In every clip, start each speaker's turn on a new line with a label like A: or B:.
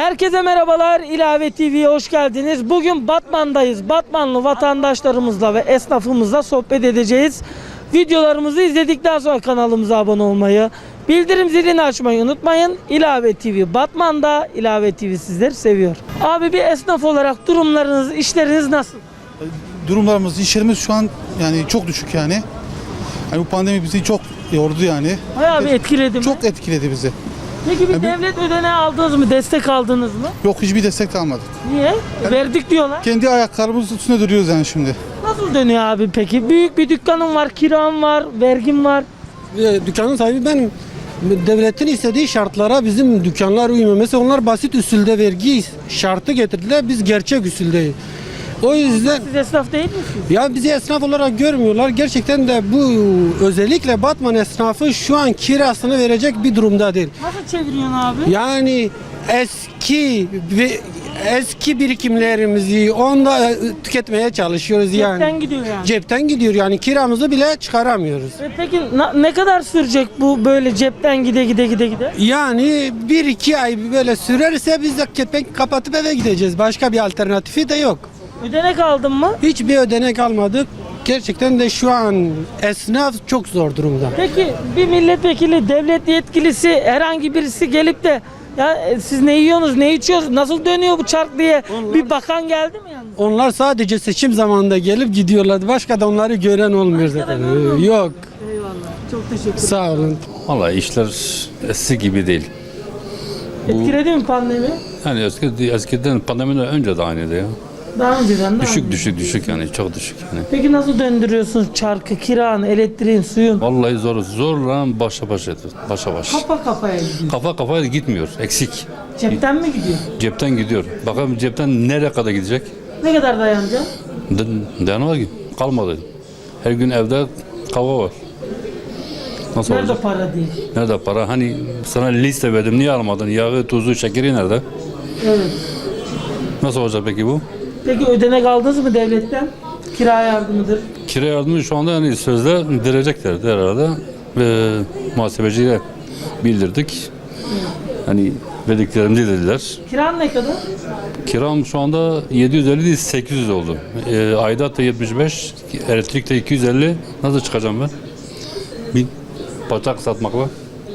A: Herkese merhabalar. İlave TV'ye hoş geldiniz. Bugün Batman'dayız. Batmanlı vatandaşlarımızla ve esnafımızla sohbet edeceğiz. Videolarımızı izledikten sonra kanalımıza abone olmayı, bildirim zilini açmayı unutmayın. İlave TV Batman'da, İlave TV sizleri seviyor. Abi bir esnaf olarak durumlarınız, işleriniz nasıl?
B: Durumlarımız, işlerimiz şu an yani çok düşük yani. Bu pandemi bizi çok yordu yani.
A: Bayağı bir etkiledi mi?
B: Çok etkiledi bizi.
A: Peki bir devlet ödeneği aldınız mı? Destek aldınız mı?
B: Yok, hiçbir destek de almadık.
A: Niye? Verdik diyorlar.
B: Kendi ayaklarımızın üstünde duruyoruz yani şimdi.
A: Nasıl dönüyor abi peki? Büyük bir dükkanım var, kiram var, vergim var.
C: Dükkanın sahibi benim. Devletin istediği şartlara bizim dükkanlar uymuyor. Mesela onlar basit usulde vergi şartı getirdiler. Biz gerçek usuldeyiz. O yüzden
A: Siz esnaf değil misiniz?
C: ya bizi esnaf olarak görmüyorlar. Gerçekten de bu özellikle Batman esnafı şu an kirasını verecek bir durumda değil.
A: Nasıl çeviriyorsun abi?
C: Yani eski birikimlerimizi onda tüketmeye çalışıyoruz yani.
A: Cepten gidiyor yani.
C: Cepten gidiyor yani kiramızı bile çıkaramıyoruz.
A: Peki ne kadar sürecek bu böyle cepten gide?
C: Yani 1-2 ay böyle sürerse biz de kepenk kapatıp eve gideceğiz. Başka bir alternatifi de yok.
A: Ödenek aldın mı?
C: Hiçbir ödenek almadık. Gerçekten de şu an esnaf çok zor durumda.
A: Peki bir milletvekili, devlet yetkilisi herhangi birisi gelip de ya siz ne yiyorsunuz, ne içiyorsunuz, nasıl dönüyor bu çark diye bir bakan geldi mi yani?
C: Onlar sadece seçim zamanında gelip gidiyorlar. Başka da onları gören olmuyor zaten. Yok.
A: Eyvallah. Çok teşekkür ederim.
C: Sağ olun.
D: Vallahi işler eski gibi değil.
A: Etkiledi mi pandemi?
D: Yani eskiden pandemiden önce de aynıydı ya.
A: Daha önceden de aynı.
D: Düşük yani çok düşük yani.
A: Peki nasıl döndürüyorsunuz çarkı, kiranı, elektriğin, suyun?
D: Vallahi zorla başa baş.
A: Kafa kafaya gidiyor.
D: Kafa kafaya gitmiyor, eksik.
A: Cepten mi gidiyor?
D: Cepten gidiyor. Bakalım cepten nereye kadar gidecek?
A: Ne kadar dayanacak?
D: Dayanamaz ki. Kalmadı. Her gün evde kavga var. Nasıl
A: Nerede
D: olacak?
A: para değil?
D: Nerede para? Hani sana liste verdim, niye almadın? Yağı, tuzu, şekeri nerede?
A: Evet.
D: Nasıl olacak peki bu?
A: Peki ödenek aldınız mı devletten? Kira yardımıdır.
D: Kira yardımı şu anda yani sözde vereceklerdi herhalde ve muhasebeciye bildirdik. Hani verdiklerimizi dediler.
A: Kiran ne kadar?
D: Kiram şu anda 750 değil 800 oldu. Aidat da 75, elektrik de 250. Nasıl çıkacağım ben? Bir bacak satmakla.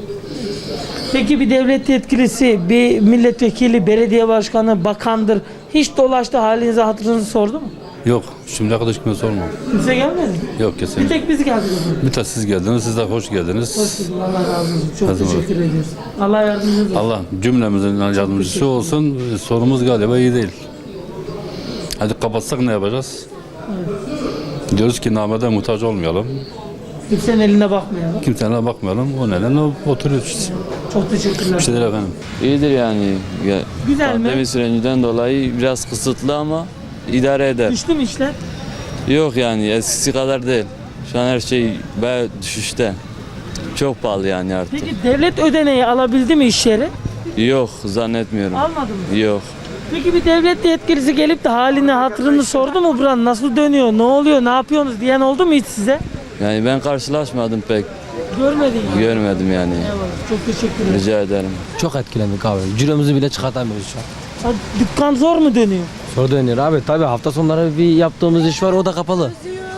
A: Peki bir devlet yetkilisi, bir milletvekili, belediye başkanı, bakandır hiç dolaştı halinizi hatırınızı sordu mu?
D: Yok, şimdiye kadar hiç kimse sormadı.
A: Kimse gelmedi mi?
D: Yok
A: Bir
D: kesin.
A: tek biz geldik o zaman.
D: Bir tek siz geldiniz, siz de hoş geldiniz.
A: Hoş bulduk. Allah razı olsun. Çok
D: Her zaman.
A: teşekkür ediyoruz. Allah yardımcınız olsun.
D: Allah cümlemizin yardımcısı olsun. Sorumuz galiba iyi değil. Hadi kapatsak ne yapacağız? Diyoruz ki namede muhtaç olmayalım.
A: Kimsenin eline bakmayalım.
D: Kimsenin bakmayalım. O nedenle oturuyoruz işte.
A: Çok teşekkürler.
D: Bir şeyler efendim.
E: İyidir yani.
A: Güzel mi?
E: Pandemi sürecinden dolayı biraz kısıtlı ama idare eder.
A: Düştü mü işler?
E: Yok yani eskisi kadar değil. Şu an her şey bayağı düşüşte. Çok pahalı yani artık.
A: Peki devlet ödeneği alabildi mi iş yeri?
E: Yok zannetmiyorum.
A: Almadı mı?
E: Yok.
A: Peki bir devlet yetkilisi gelip de halini hatırını sordu mu buranın nasıl dönüyor, ne oluyor, ne yapıyorsunuz diyen oldu mu hiç size?
E: Yani ben karşılaşmadım pek.
A: Görmedin mi?
E: Görmedim yani.
A: Eyvallah. Çok teşekkür ederim.
E: Rica ederim.
F: Çok etkilendik abi. Ciromuzu bile çıkartamıyoruz şu an.
A: Ha, dükkan zor mu dönüyor?
F: Zor dönüyor abi. Tabii hafta sonları bir yaptığımız iş var, o da kapalı.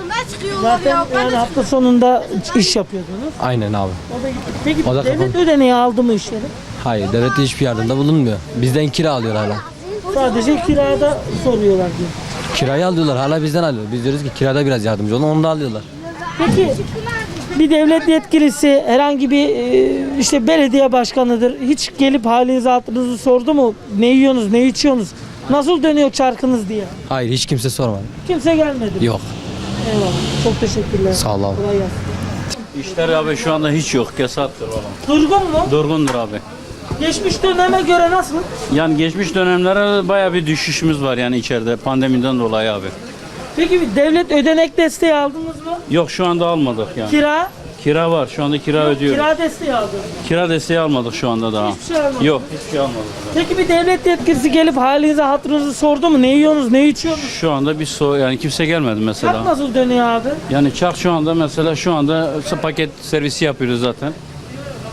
A: Zaten yani hafta sonunda iş yapıyordunuz.
F: Aynen abi.
A: Peki
F: O da
A: devlet
F: kapalı.
A: ödeneği aldı mı iş yeri?
F: Hayır, devlet hiçbir yardımda bulunmuyor. Bizden kira alıyor hala.
A: Sadece kirada soruyorlar diyor.
F: Kirayı alıyorlar, hala bizden alıyor. Biz diyoruz ki kirada biraz yardımcı olun, onu da alıyorlar.
A: Peki bir devlet yetkilisi herhangi bir işte belediye başkanıdır hiç gelip halinizi hatırınızı sordu mu? Ne yiyorsunuz, ne içiyorsunuz? Nasıl dönüyor çarkınız diye?
F: Hayır, hiç kimse sormadı.
A: Kimse gelmedi.
F: Yok.
A: Eyvallah. Çok teşekkürler.
F: Sağ ol abi.
A: Kolay gelsin.
G: İşler abi şu anda hiç yok. Kesattır valla.
A: Durgun mu?
G: Durgundur abi.
A: Geçmiş döneme göre nasıl?
G: Yani geçmiş dönemlere baya bir düşüşümüz var yani içeride pandemiden dolayı abi.
A: Peki bir devlet ödenek desteği aldınız mı?
G: Yok şu anda almadık yani.
A: Kira?
G: Kira var. Şu anda kira ödüyoruz.
A: Kira desteği aldınız.
G: Kira desteği almadık şu anda daha.
A: Hiçbir şey almadınız.
G: Yok hiçbir şey almadık.
A: Peki bir devlet yetkilisi gelip halinizi hatırınızı sordu mu? Ne yiyorsunuz, ne içiyorsunuz?
G: Şu anda bir yani kimse gelmedi
A: Çark
G: mesela.
A: nasıl dönüyor abi?
G: Yani çark şu anda mesela şu anda paket servisi yapıyoruz zaten.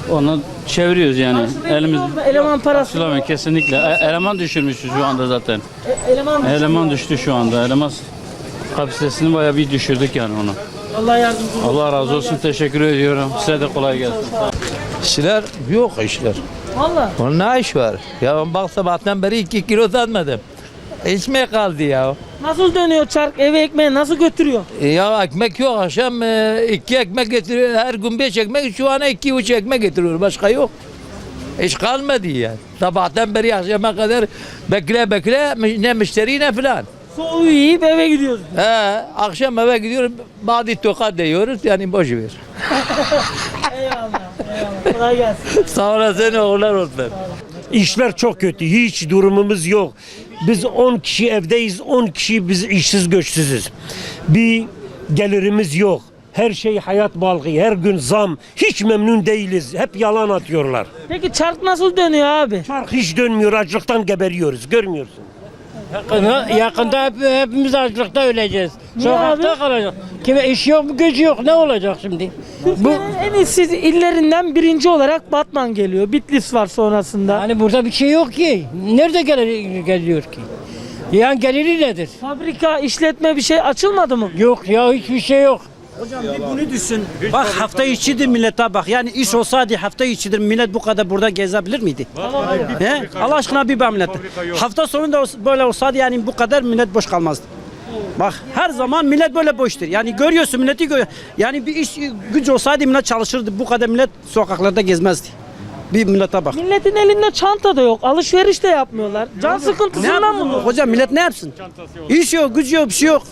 G: Onu çeviriyoruz yani.
A: Karşılıyor
G: Elimiz
A: mu? Eleman parası.
G: karşılamıyor kesinlikle. Eleman düşürmüşüz şu anda zaten.
A: Eleman düşüyor.
G: Eleman düştü şu anda. Eleman kapasitesini bayağı bir düşürdük yani onu.
A: Allah yardımcınız olsun.
G: Allah razı olsun. Teşekkür ediyorum. Size de kolay gelsin.
H: İşler yok işler.
A: Valla.
H: Onun ne iş var? Ya ben bak sabahtan beri 2 kilo satmadım. İçmeye kaldı ya.
A: Nasıl dönüyor çark? Eve ekmeği nasıl götürüyor?
H: Ya ekmek yok akşam 2 ekmek getiriyor. Her gün 5 ekmek şu an 2,5 ekmek getiriyor. Başka yok. Hiç kalmadı yani. Sabahtan beri akşama kadar bekle ne müşteri ne filan.
A: Soğuğu yiyip eve gidiyoruz.
H: Akşam eve gidiyorum. Badi tokat diyoruz yani boş ver.
A: Eyvallah. Kolay gelsin.
H: Sağ olasın oğullar olsun.
I: İşler çok kötü. Hiç durumumuz yok. Biz 10 kişi evdeyiz. 10 kişi biz işsiz güçsüzüz. Bir gelirimiz yok. Her şey hayat balgı. Her gün zam. Hiç memnun değiliz. Hep yalan atıyorlar.
A: Peki çark nasıl dönüyor abi?
I: Çark hiç dönmüyor. Açlıktan geberiyoruz. Görmüyorsun.
J: Yakında hepimiz açlıkta öleceğiz.
A: Niye
J: Sokakta
A: abi?
J: kalacağız. Kime iş yok, gücü yok. Ne olacak şimdi?
A: Türkiye'nin en işsiz illerinden birinci olarak Batman geliyor. Bitlis var sonrasında.
J: Hani burada bir şey yok ki. Nerede geliyor ki? Yani geliri nedir?
A: Fabrika, işletme bir şey açılmadı mı?
J: Yok ya, hiçbir şey yok.
K: Bunu düşün. Bak hafta içidir millete bak. Yani iş olsaydı hafta içidir millet bu kadar burada gezebilir miydi? He? Allah aşkına bir millet. Hafta sonu da böyle olsaydı yani bu kadar millet boş kalmazdı. Bak her zaman millet böyle boştur. Yani görüyorsun milleti yani bir iş gücü olsaydı millet çalışırdı. Bu kadar millet sokaklarda gezmezdi. Bir millete bak.
A: Milletin elinde çanta da yok. Alışveriş de yapmıyorlar. Can sıkıntısından mı?
K: Hocam millet ne yapsın? İş yok, gücü yok, bir şey yok.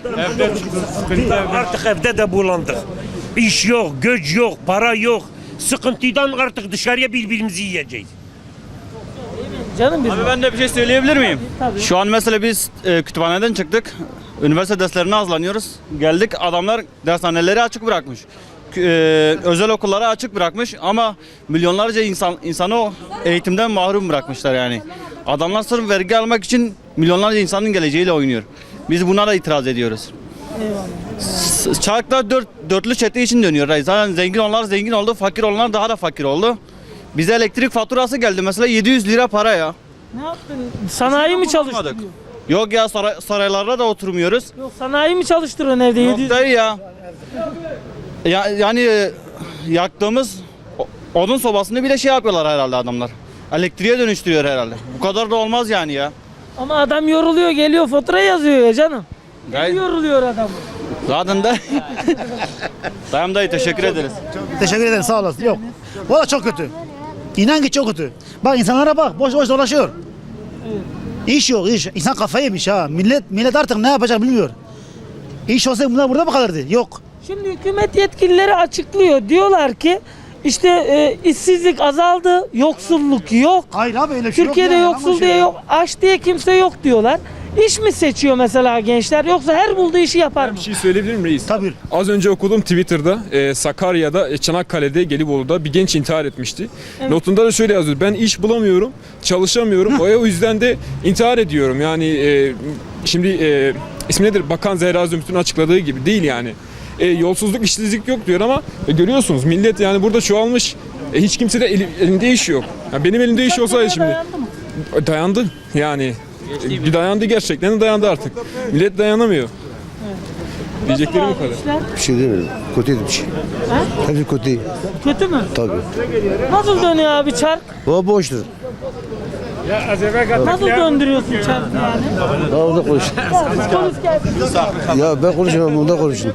I: Artık evde de bulandık. İş yok, güç yok, para yok. Sıkıntıdan artık dışarıya birbirimizi yiyeceğiz.
A: Canım bizim.
G: Abi ben de bir şey söyleyebilir miyim?
A: Tabii.
G: Şu an mesela biz kütüphaneden çıktık. Üniversite derslerine hazırlanıyoruz. Geldik adamlar dershaneleri açık bırakmış. Özel okulları açık bırakmış ama milyonlarca insanı o eğitimden mahrum bırakmışlar yani. Adamlar sırf vergi almak için milyonlarca insanın geleceğiyle oynuyor. Biz buna da itiraz ediyoruz. Çarklar dörtlü çete için dönüyor. Zaten zengin olanlar zengin oldu, fakir olanlar daha da fakir oldu. Bize elektrik faturası geldi mesela 700 lira para ya.
A: Ne yaptın? Sanayi mi çalıştırıyor?
G: Bulamadık. Yok ya saraylarda da oturmuyoruz.
A: Yok sanayi mi çalıştırıyorsun evde?
G: Yok
A: 700?
G: dayı ya. Yani yaktığımız odun sobasını bile şey yapıyorlar herhalde adamlar. Elektriğe dönüştürüyor herhalde. Bu kadar da olmaz yani ya.
A: Ama adam yoruluyor geliyor fatura yazıyor ya canım.
G: Gayet-
A: Yoruluyor adam.
G: Zaten de dayım dayı teşekkür ederiz.
L: Teşekkür ederim sağ olasın. Yok. Valla çok kötü. İnan ki çok kötü. Bak insanlara bak boş boş dolaşıyor. İş yok iş. İnsan kafayı yemiş ha. Millet artık ne yapacak bilmiyor. İş olsa bunlar burada mı kalırdı? Yok.
A: Şimdi hükümet yetkilileri açıklıyor. Diyorlar ki işte işsizlik azaldı, yoksulluk yok.
L: Hayır abi öyle bir şey
A: Türkiye'de
L: yok.
A: yoksul diye yok, aç diye kimse yok diyorlar. İş mi seçiyor mesela gençler yoksa her bulduğu işi yapar mı?
M: Bir şey söyleyebilir miyim reis?
L: Tabii.
M: Az önce okudum Twitter'da Sakarya'da, Çanakkale'de, Gelibolu'da bir genç intihar etmişti.
A: Evet.
M: Notunda da şöyle yazıyor. Ben iş bulamıyorum, çalışamıyorum. O yüzden de intihar ediyorum. Yani şimdi ismi nedir? Bakan Zehra Zümrüt'ün açıkladığı gibi değil yani. Yolsuzluk, işsizlik yok diyor ama görüyorsunuz millet yani burada çoğalmış. Hiç kimse de elinde iş yok. Yani benim elimde iş olsaydı şimdi.
A: Dayandı mı?
M: Dayandı yani. Bir dayandı gerçekten de dayandı artık. Millet dayanamıyor. Diyeceklerim bu kadar.
A: İşler
L: Bir şey demiyorum. Kötüydü bir şey. Hepsi kötü.
A: kötü mü?
L: Tabii.
A: Nasıl dönüyor abi çark?
L: O boştur.
A: Nasıl döndürüyorsun çarkı yani?
L: Ya orada konuş.
A: Polis gelsin.
L: Ya ben konuşamam onda konuşun.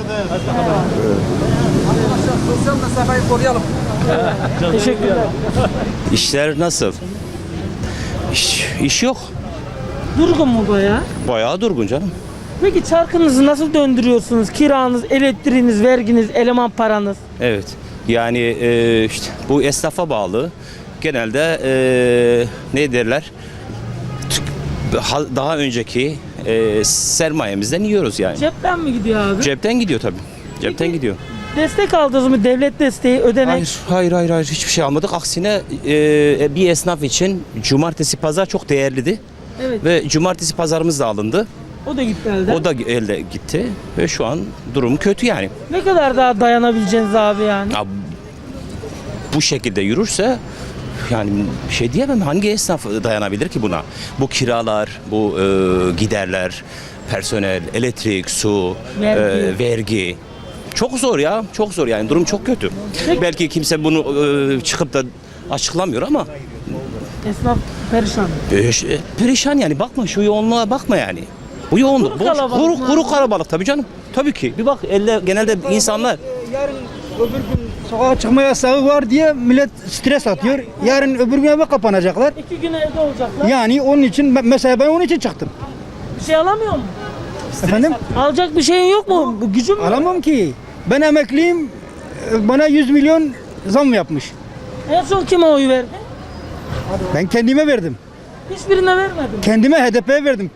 A: Teşekkürler.
E: İşler nasıl? İş yok.
A: Durgun mu baya?
E: Bayağı durgun canım.
A: Peki çarkınızı nasıl döndürüyorsunuz? Kiranız, elektriğiniz, verginiz, eleman paranız.
E: Evet. Yani işte bu esnafa bağlı. Genelde ne derler? Daha önceki sermayemizden yiyoruz yani.
A: Cepten mi gidiyor abi?
E: Cepten gidiyor tabii. Cepten gidiyor.
A: Destek aldınız mı? Devlet desteği, ödenek.
E: Hayır hiçbir şey almadık. Aksine bir esnaf için cumartesi pazar çok değerliydi.
A: Evet.
E: Ve cumartesi pazarımız da alındı.
A: O da gitti elden.
E: O da elde gitti ve şu an durum kötü yani.
A: Ne kadar daha dayanabileceğiniz abi yani?
E: Ya,
N: bu şekilde yürürse yani bir şey diyemem. Hangi esnaf dayanabilir ki buna? Bu kiralar, bu giderler, personel, elektrik, su, vergi. Çok zor ya, çok zor yani. Durum çok kötü. Belki kimse bunu çıkıp da açıklamıyor ama
A: Esnaf perişan.
N: perişan yani. Bakma şu yoğunluğa bakma yani. Bu yoğunluk.
A: Kuru kalabalık mı?
N: Kuru kalabalık tabii canım. Tabii ki. Bir bak genelde insanlar
L: Yarın öbür gün sokağa çıkma yasağı var diye millet stres atıyor. Yarın öbür gün eve kapanacaklar.
A: 2 gün evde olacaklar.
L: Yani onun için mesela ben onun için çıktım.
A: Bir şey alamıyor mu?
L: Efendim?
A: Alacak bir şeyin yok mu? Bu gücün mü?
L: Alamam ki. Ben emekliyim. Bana 100 milyon zam yapmış.
A: En son kime oy verdin?
L: Ben kendime verdim.
A: Hiçbirine vermedim.
L: Kendime HDP'ye verdim.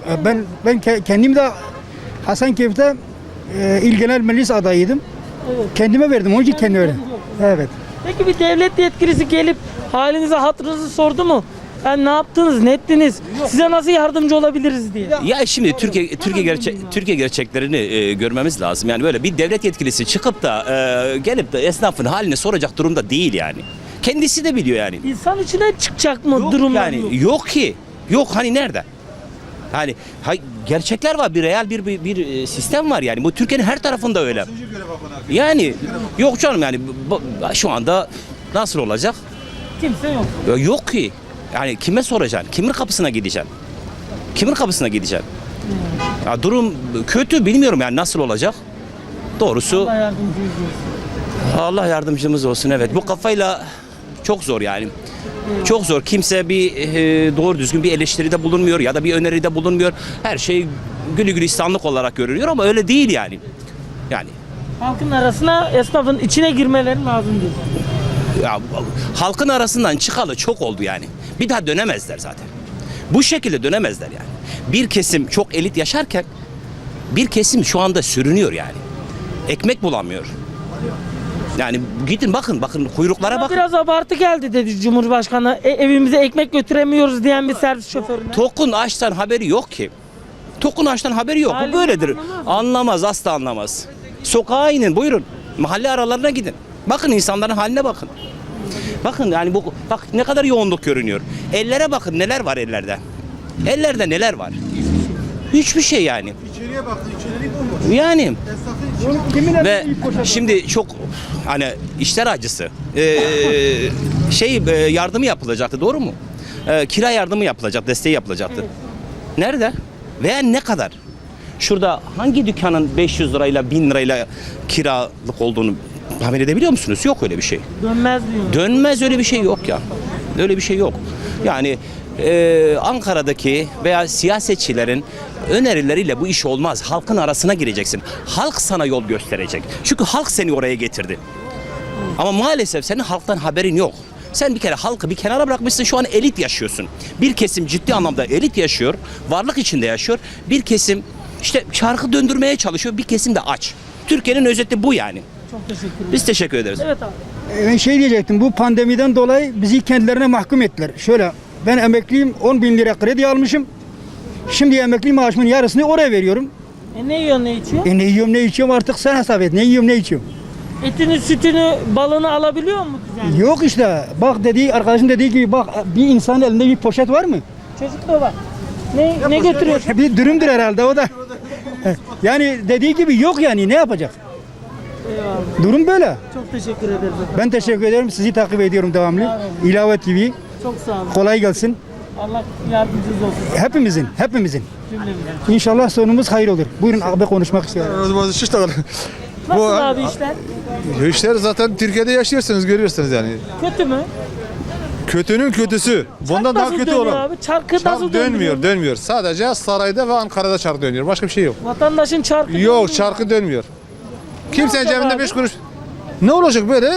L: Kendim de Hasankeyf'te İl Genel Meclis adayıydım.
A: Evet.
L: Kendime verdim. Onun için kendime verdim. Evet.
A: Peki bir devlet yetkilisi gelip halinize hatırınızı sordu mu? Yani ne yaptınız, ne ettiniz? Size nasıl yardımcı olabiliriz diye.
N: ya şimdi Türkiye gerçeklerini görmemiz lazım. Yani böyle bir devlet yetkilisi çıkıp da gelip de esnafın halini soracak durumda değil yani. Kendisi de biliyor yani.
A: İnsan içine çıkacak mı
N: Yok
A: durumlar
N: yani
A: yok.
N: yok ki. Yok hani nerede? Hani gerçekler var, bir real bir sistem var yani. Bu Türkiye'nin her tarafında öyle. Yani yok canım yani şu anda nasıl olacak?
A: Kimse yok.
N: Yok ki. Yani kime soracaksın? Kimin kapısına gideceksin? Kimin kapısına gideceksin? Ya durum kötü, bilmiyorum yani nasıl olacak? Doğrusu
A: Allah yardımcınız olsun.
N: Allah yardımcımız olsun, evet. Bu kafayla çok zor yani. Çok zor. Kimse bir doğru düzgün bir eleştiride bulunmuyor ya da bir öneride bulunmuyor. Her şey gülü gülistanlık olarak görünüyor ama öyle değil yani. Yani
A: Halkın arasına, esnafın içine girmeleri lazım diyor.
N: ya, halkın arasından çıkalı çok oldu yani. Bir daha dönemezler zaten. Bu şekilde dönemezler yani. Bir kesim çok elit yaşarken bir kesim şu anda sürünüyor yani. Ekmek bulamıyor. Yani gidin bakın kuyruklara bakın.
A: Biraz abartı geldi dedi Cumhurbaşkanı. Evimize ekmek götüremiyoruz diyen bir servis şoförüne.
N: Tokun açtan haberi yok ki. Tokun açtan haberi yok. Bu böyledir. Anlamaz, asla anlamaz. Sokağa inin, buyurun. Mahalle aralarına gidin. Bakın insanların haline bakın. Bakın yani bak ne kadar yoğunluk görünüyor. Ellere bakın, neler var ellerde. Ellerde neler var? Hiçbir şey yani.
B: İçeriye baktın, içeriği bomboş.
N: Yani
B: Kimin
N: ve şimdi çok hani işler acısı. Yardımı yapılacaktı, doğru mu? Kira yardımı yapılacak, desteği yapılacaktı. Nerede? Veya ne kadar? Şurada hangi dükkanın 500 lirayla 1000 lirayla kiralık olduğunu tahmin edebiliyor musunuz? Yok öyle bir şey.
A: Dönmez diyor.
N: Dönmez, öyle bir şey yok ya. Öyle bir şey yok. Yani Ankara'daki veya siyasetçilerin önerileriyle bu iş olmaz. Halkın arasına gireceksin. Halk sana yol gösterecek. Çünkü halk seni oraya getirdi. Ama maalesef senin halktan haberin yok. Sen bir kere halkı bir kenara bırakmışsın, şu an elit yaşıyorsun. Bir kesim ciddi anlamda elit yaşıyor, varlık içinde yaşıyor. Bir kesim işte çarkı döndürmeye çalışıyor, bir kesim de aç. Türkiye'nin özeti bu yani.
A: Çok teşekkür ederim.
N: Biz teşekkür ederiz.
A: Evet abi.
L: Ben diyecektim, bu pandemiden dolayı bizi kendilerine mahkum ettiler. Şöyle, ben emekliyim, 10 bin lira kredi almışım. Şimdi emekli maaşımın yarısını oraya veriyorum.
A: Ne yiyorsun, ne içiyorsun?
L: Ne yiyorum, ne içiyorum artık sen hesap et. Ne yiyorum, ne içiyorum.
A: Etini, sütünü, balını alabiliyor mu düzenli?
L: Yok işte, bak arkadaşın dediği gibi bak, bir insanın elinde bir poşet var mı?
A: Çocuk da var. Ne götürüyorsun?
L: Bir dürümdür herhalde o da. Yani dediği gibi yok yani, ne yapacak?
A: Eyvallah.
L: Durum böyle.
A: Çok teşekkür ederiz efendim.
L: Ben teşekkür ederim. Sizi takip ediyorum devamlı. İlave TV.
A: Çok sağ olun.
L: Kolay gelsin.
A: Allah yardımcınız olsun.
L: Hepimizin.
A: Cümlemizin.
L: İnşallah sonumuz hayır olur. Buyurun abi, konuşmak istiyorum.
A: Nasıl abi işler?
B: İşler zaten Türkiye'de yaşıyorsunuz, görüyorsunuz yani.
A: Kötü mü?
B: Kötünün kötüsü. Bundan
A: Çark
B: daha
A: nasıl
B: kötü
A: dönüyor
B: olan.
A: abi? Çarkı nasıl dönüyor?
B: Dönmüyor. Sadece sarayda ve Ankara'da çark dönüyor. Başka bir şey yok.
A: Vatandaşın çarkı
B: Yok, çarkı dönmüyor. Kimsenin
A: olacak
B: cebinde
A: abi?
B: 5 kuruş. Ne olacak böyle?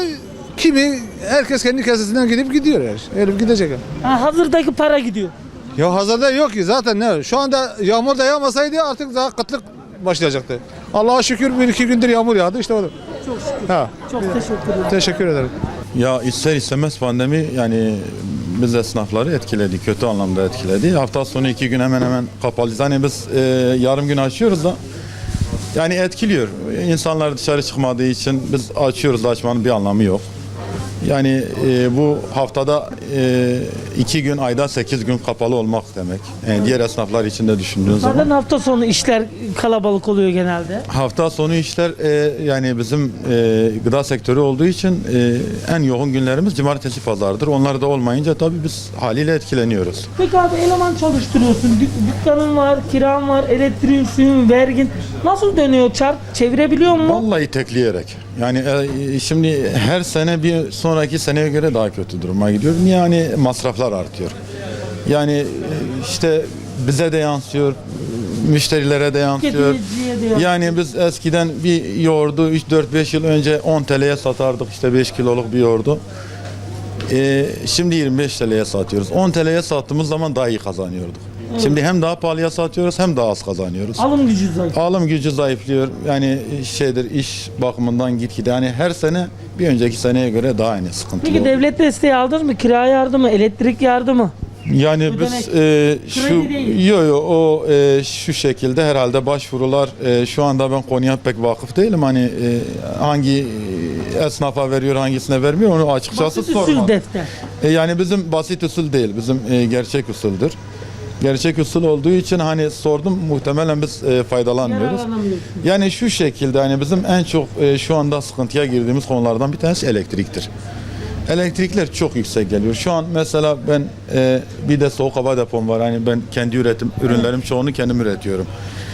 B: Herkes kendi kesesinden gidip gidiyor yani. Öyle gidecek.
A: hazırdaki para gidiyor.
B: Ya hazırda yok ki zaten ne? Şu anda yağmur da yağmasaydı artık daha kıtlık başlayacaktı. Allah'a şükür 1-2 gündür yağmur yağdı işte o da.
A: Çok şükür.
B: Ha.
A: Çok teşekkür ederim.
B: Teşekkür ederim.
O: Ya ister istemez pandemi yani biz esnafları etkiledi, kötü anlamda etkiledi. Hafta sonu 2 gün hemen hemen kapalıyız. Hani biz yarım gün açıyoruz da yani etkiliyor. İnsanlar dışarı çıkmadığı için biz açıyoruz da açmanın bir anlamı yok. Yani bu haftada 2 gün, ayda 8 gün kapalı olmak demek. Yani diğer esnaflar için de düşündüğün
A: Zaten
O: zaman.
A: hafta sonu işler kalabalık oluyor genelde.
O: Hafta sonu işler yani bizim gıda sektörü olduğu için en yoğun günlerimiz cumartesi pazardır. Onlar da olmayınca tabii biz haliyle etkileniyoruz.
A: Peki abi eleman çalıştırıyorsun. Dükkanın var, kiran var, elektriğin, suyun, vergin. Nasıl dönüyor çark? Çevirebiliyor mu?
O: Vallahi tekleyerek. Yani şimdi her sene bir sonraki seneye göre daha kötü duruma gidiyor. Yani masraflar artıyor. Yani işte bize de yansıyor, müşterilere de yansıyor.
A: Tüketiciye de yansıyor.
O: Yani biz eskiden bir yoğurdu 3-4-5 yıl önce 10 TL'ye satardık, işte 5 kiloluk bir yoğurdu. Şimdi 25 TL'ye satıyoruz. 10 TL'ye sattığımız zaman daha iyi kazanıyorduk. Şimdi hem daha pahalıya satıyoruz hem daha az kazanıyoruz.
A: Alım gücü zayıf.
O: Alım gücü zayıflıyor. Yani iş bakımından gitgide. Yani her sene bir önceki seneye göre daha aynı sıkıntılı.
A: Peki
O: oluyor.
A: devlet desteği aldınız mı? Kira yardımı, elektrik yardımı?
O: Yani
A: Ödenek.
O: biz şu
A: Kredi değil.
O: o şu şekilde herhalde başvurular şu anda ben konuya pek vakıf değilim. Hani hangi esnafa veriyor, hangisine vermiyor onu açıkçası
A: Basit usul
O: sormadım.
A: defter.
O: Yani bizim basit usul değil, bizim gerçek usuldür. Gerçek usul olduğu için hani sordum, muhtemelen biz faydalanmıyoruz.
A: Yararlanamıyorsunuz.
O: Yani şu şekilde hani bizim en çok şu anda sıkıntıya girdiğimiz konulardan bir tanesi elektriktir. Elektrikler çok yüksek geliyor. Şu an mesela ben bir de soğuk hava depom var. Hani ben kendi ürünlerim çoğunu kendim üretiyorum.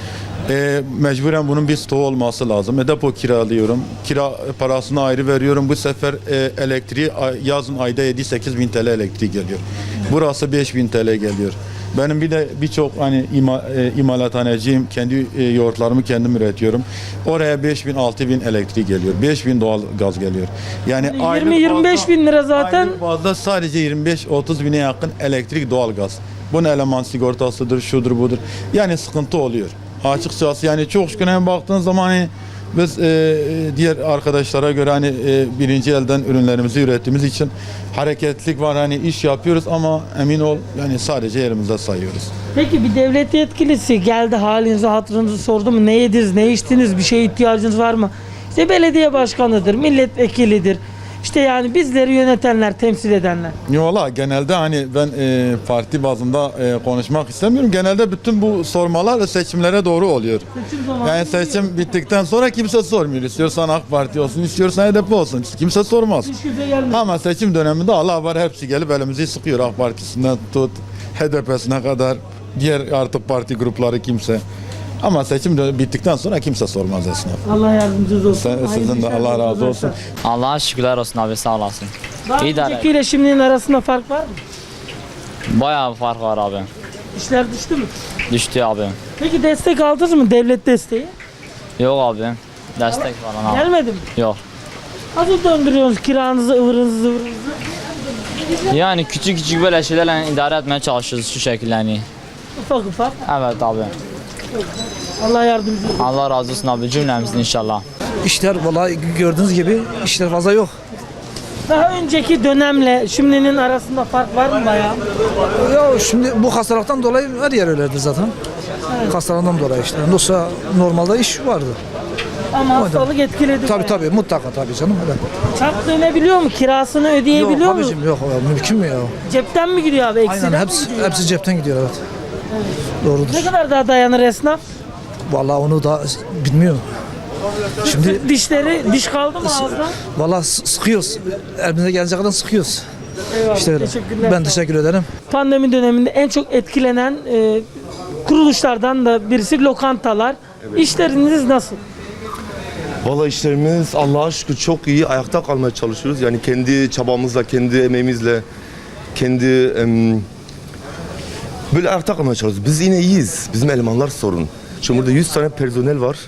O: Mecburen bunun bir stoğu olması lazım. Depo kiralıyorum. Kira parasını ayrı veriyorum. Bu sefer elektriği yazın ayda 7-8 bin TL elektriği geliyor. Burası 5 bin TL geliyor. Benim bir de birçok hani imalathaneciyim. Kendi yoğurtlarımı kendim üretiyorum. Oraya 5 bin 6 bin elektriği geliyor. 5 bin doğal gaz geliyor. Yani
A: 20-25 bin lira zaten.
O: aylık bazda sadece 25-30 bine yakın elektrik doğal gaz. Bunun eleman sigortasıdır, şudur budur. Yani sıkıntı oluyor. Açıkçası yani çok şükür hem baktığın zaman hani biz diğer arkadaşlara göre hani birinci elden ürünlerimizi ürettiğimiz için hareketlilik var, hani iş yapıyoruz ama emin ol yani sadece yerimizde sayıyoruz.
A: Peki bir devlet yetkilisi geldi, halinizi hatırınızı sordu mu? Ne yediniz, ne içtiniz, bir şeye ihtiyacınız var mı? İşte belediye başkanıdır, milletvekilidir. İşte yani bizleri yönetenler, temsil edenler.
O: Valla genelde hani ben parti bazında konuşmak istemiyorum. Genelde bütün bu sormalar seçimlere doğru oluyor.
A: Seçim zamanı
O: Yani seçim bittikten sonra kimse sormuyor. İstiyorsan AK Parti olsun, istiyorsan HDP olsun. Kimse sormaz.
A: hiç kimse gelmedi.
O: Ama seçim döneminde Allah var hepsi gelip elimizi sıkıyor. AK Partisi'nden tut, HDP'sine kadar diğer artık parti grupları kimse. Ama seçim bittikten sonra kimse sormaz esnaf.
A: Allah yardımcınız olsun.
O: Sizin de Allah razı olsun.
F: Allah'a şükürler olsun abi, sağ olasın.
A: Daha
F: İyi de
A: öncekiyle şimdinin arasında fark var mı?
F: Bayağı bir fark var abi.
A: İşler düştü mü?
F: Düştü abi.
A: Peki destek aldınız mı, devlet desteği?
F: Yok abi. Destek falan abi.
A: Gelmedi mi?
F: Yok.
A: Nasıl döndürüyorsunuz kiranızı, ıvırınızı, zıvırınızı?
F: Yani küçük küçük böyle şeylerle idare etmeye çalışıyoruz şu şekilde yani.
A: Ufak ufak.
F: Evet abi.
A: Allah yardımcınız olsun.
F: Allah razı olsun abi, cümlemizin inşallah.
K: İşler vallahi gördüğünüz gibi işler fazla yok.
A: Daha önceki dönemle şimdinin arasında fark var mı bayağı?
K: Ya şimdi bu hastalıktan dolayı her yer öyledir zaten. Hastalıktan dolayı işte. Yoksa normalde iş vardı.
A: Ama hastalık etkiledi bayağı.
K: Mutlaka tabii canım. Öyle.
A: Çark dönebiliyor mu? Kirasını ödeyebiliyor mu?
K: Yok mümkün mü ya?
A: Cepten mi gidiyor abi? Eksiden
K: Aynen
A: mi gidiyor?
K: hepsi cepten gidiyor evet. Doğrudur.
A: Ne kadar daha dayanır esnaf?
K: Vallahi onu da bilmiyorum. Şimdi
A: Diş kaldı mı ağızda?
K: vallahi sıkıyoruz. Elimize gelecek kadar sıkıyoruz.
A: Eyvallah.
K: İşte öyle.
A: Teşekkürler.
K: Ben teşekkür ederim.
A: Pandemi döneminde en çok etkilenen kuruluşlardan da birisi lokantalar. İşleriniz nasıl?
P: Valla işlerimiz Allah'a şükür çok iyi. Ayakta kalmaya çalışıyoruz. Yani kendi çabamızla, kendi emeğimizle, kendi böyle ayakta kalmaya çalışıyoruz. Biz yine iyiyiz. Bizim elemanlar sorun. Çünkü burada 100 tane personel var.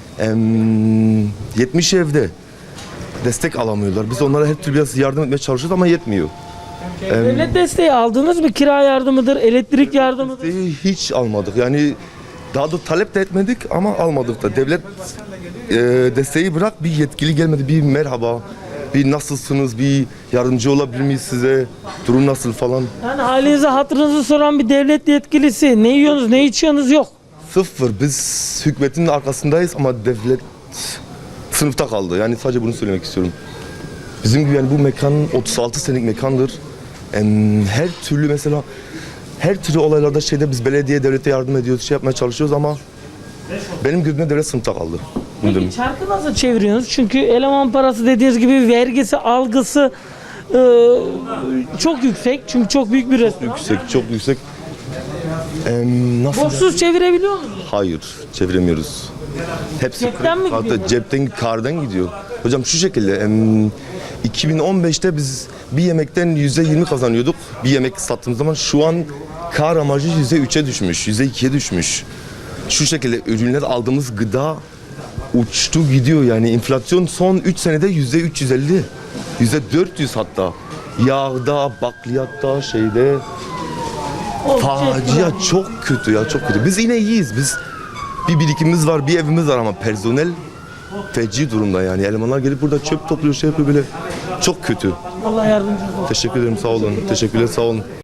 P: 70 evde. Destek alamıyorlar. Biz onlara her türlü biraz yardım etmeye çalışıyoruz ama yetmiyor.
A: Devlet desteği aldınız mı? Kira yardımıdır, elektrik yardımıdır.
P: Hiç almadık. Yani daha da talep de etmedik ama almadık da. Devlet desteği bırak, bir yetkili gelmedi. Bir merhaba, bir nasılsınız, bir yardımcı olabilir miyiz size, durum nasıl falan.
A: Yani halinizi hatırınızı soran bir devlet yetkilisi, ne yiyorsunuz, ne içiyorsunuz yok.
P: Sıfır. Biz hükümetin arkasındayız ama devlet sınıfta kaldı. Yani sadece bunu söylemek istiyorum. Bizim gibi yani bu mekan 36 senelik mekandır. Her türlü mesela her türlü olaylarda biz belediye devlete yardım ediyoruz, şey yapmaya çalışıyoruz ama benim gözümde devlet sınıfta kaldı.
A: Peki çarkı nasıl çeviriyorsunuz? Çünkü eleman parası dediğiniz gibi vergisi, algısı çok yüksek. Çünkü çok büyük bir restoran.
P: Çok yüksek. Nasıl?
A: Borçsuz çevirebiliyor musunuz?
P: Hayır, çeviremiyoruz. Hepsi
A: Cepten mi gidiyor?
P: hatta cepten, kardan gidiyor. Hocam şu şekilde 2015'te biz bir yemekten %20 kazanıyorduk. Bir yemek sattığımız zaman şu an kar amacı %3'e düşmüş, %2'ye düşmüş. Şu şekilde ürünler aldığımız gıda uçtu gidiyor yani enflasyon son 3 senede %350, %400 hatta. Yağda, bakliyatta, şeyde. Facia çok kötü ya, çok kötü. Biz yine iyiyiz. Biz bir birikimimiz var, bir evimiz var ama personel feci durumda yani. Elemanlar gelip burada çöp topluyor, şey yapıyor böyle. Çok kötü.
A: Allah yardımcınız olsun.
P: Teşekkür ederim, sağ olun. Teşekkürler, sağ olun.